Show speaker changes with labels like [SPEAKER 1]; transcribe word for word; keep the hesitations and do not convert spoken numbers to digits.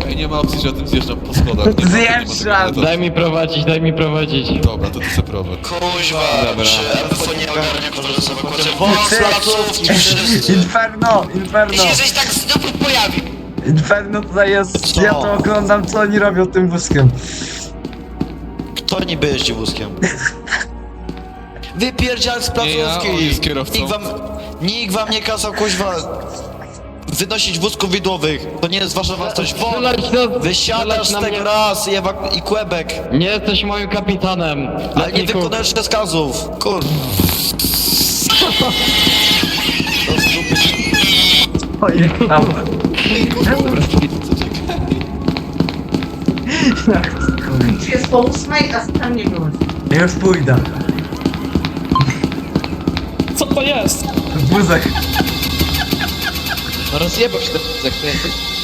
[SPEAKER 1] Ej, nie ma opcji, że o tym zjeżdżam po schodach. Nie ma- nie ma tego
[SPEAKER 2] Zjeżdżam.
[SPEAKER 1] metodu.
[SPEAKER 3] Daj mi prowadzić, daj mi prowadzić.
[SPEAKER 1] Dobra, to ty se prowadź.
[SPEAKER 4] Kuźwa,
[SPEAKER 3] Dobra.
[SPEAKER 4] czy M F O nie ogarnia kolor z ewakuacją? Wąs, placówki, wszyscy.
[SPEAKER 2] Inferno, Inferno.
[SPEAKER 4] Jeśli żeś tak znowu pojawił.
[SPEAKER 2] Inferno tutaj jest.
[SPEAKER 4] Co?
[SPEAKER 2] Ja to oglądam, co oni robią tym wózkiem.
[SPEAKER 4] Kto niby jeździ wózkiem? Wypierdzial z
[SPEAKER 1] Nie ja,
[SPEAKER 4] placówki!
[SPEAKER 1] on jest kierowcą.
[SPEAKER 4] Nikt wam, nikt wam nie kazał, kuźwa, wynosić wózków widłowych. To nie jest wasza własność. Won!
[SPEAKER 3] Strzelać na-
[SPEAKER 4] Wysiadasz
[SPEAKER 3] strzelać na
[SPEAKER 4] z tego
[SPEAKER 3] mnie.
[SPEAKER 4] raz i, ewak- i kłebek.
[SPEAKER 3] Nie jesteś moim kapitanem.
[SPEAKER 4] Ale nie
[SPEAKER 3] Letniku.
[SPEAKER 4] wykonujesz rozkazów. Kur...
[SPEAKER 2] Pojechał.
[SPEAKER 5] Jest po ósmej, a tam nie było.
[SPEAKER 2] Ja już pójdę.
[SPEAKER 6] Co to jest?
[SPEAKER 2] Wózek.
[SPEAKER 3] No rozjebał się ten wózek, ty.